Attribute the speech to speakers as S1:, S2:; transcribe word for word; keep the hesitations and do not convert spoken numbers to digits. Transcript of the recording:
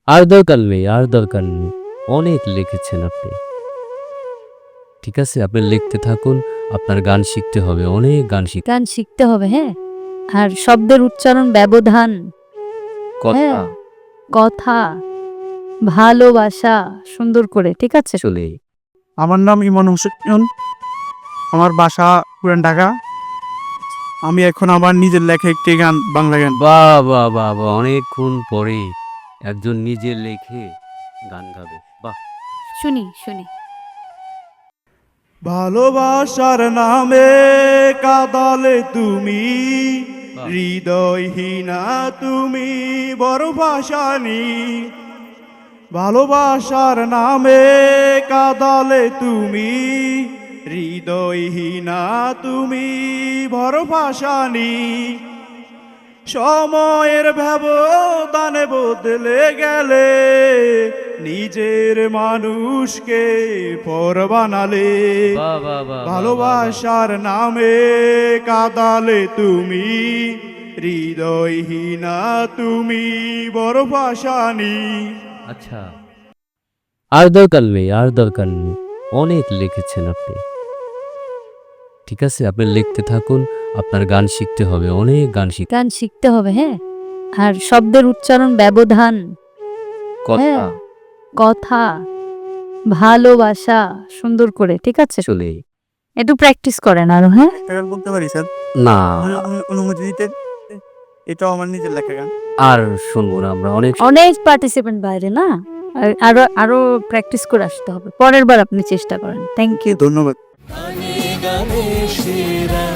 S1: আর দরকার নেই, আর দরকার নেই। অনেক লিখেছেন আপনি। ঠিক আছে, আপনি লিখতে থাকুন। আপনার গান শিখতে হবে, অনেক গান শিখ
S2: গান শিখতে হবে, হ্যাঁ। আর শব্দের উচ্চারণ, ব্যবধান,
S1: কথা
S2: হ্যাঁ, কথা, ভালোবাসা সুন্দর করে, ঠিক আছে?
S1: চলে।
S3: আমার নাম ইমন হোসেন, আমার বাসা পুরান ঢাকা। আমি এখন আমার নিজের লেখা একটি গান, বাংলা গান।
S1: বাহ বাহ বাহ বাহ, অনেকক্ষণ পরে একজন নিজে লেখে গান গাবে। বাহ,
S2: শুনি শুনি।
S3: ভালোবাসার নামে কাদালে তুমি, হৃদয়হীনা তুমি বড় ভাসানি। ভালোবাসার নামে কাদালে তুমি, হৃদয়হীনা তুমি বড় ভাসানি। সময়ের ব্যবধানে বদলে গেলে, নিজের মানুষকে পর বানালে।
S1: বাহ বাহ বাহ, বাহ, বাহ, বাহ।
S3: ভালোবাসার নামে কাদালে তুমি, হৃদয়হীনা তুমি বড় ভাসানি।
S1: আচ্ছা, আর দরকার নেই, আর দরকার নেই। অনেক লিখেছেন আপনি। ঠিক আছে, আপনি লিখতে থাকুন। আপনার গান শিখতে হবে, অনেক গান শিখ
S2: গান শিখতে হবে, হ্যাঁ। আর শব্দের উচ্চারণ, ব্যবধান,
S1: কথা
S2: হ্যাঁ, কথা, ভালোবাসা সুন্দর করে, ঠিক আছে?
S1: চলে।
S2: একটু প্র্যাকটিস করেন আরো, হ্যাঁ।
S3: একটা গান বলতে পারি স্যার?
S1: না,
S3: অনুমতি দিতে? এটাও আমার নিজের লেখা গান।
S1: আর শুনবো না আমরা। অনেক
S2: অনেক পার্টিসিপেন্ট বাইরে না, আর আরো আরো প্র্যাকটিস করে আসতে হবে। পরের বার আপনি চেষ্টা করেন। Thank you.
S3: ধন্যবাদ।
S4: গানে গানে সেরা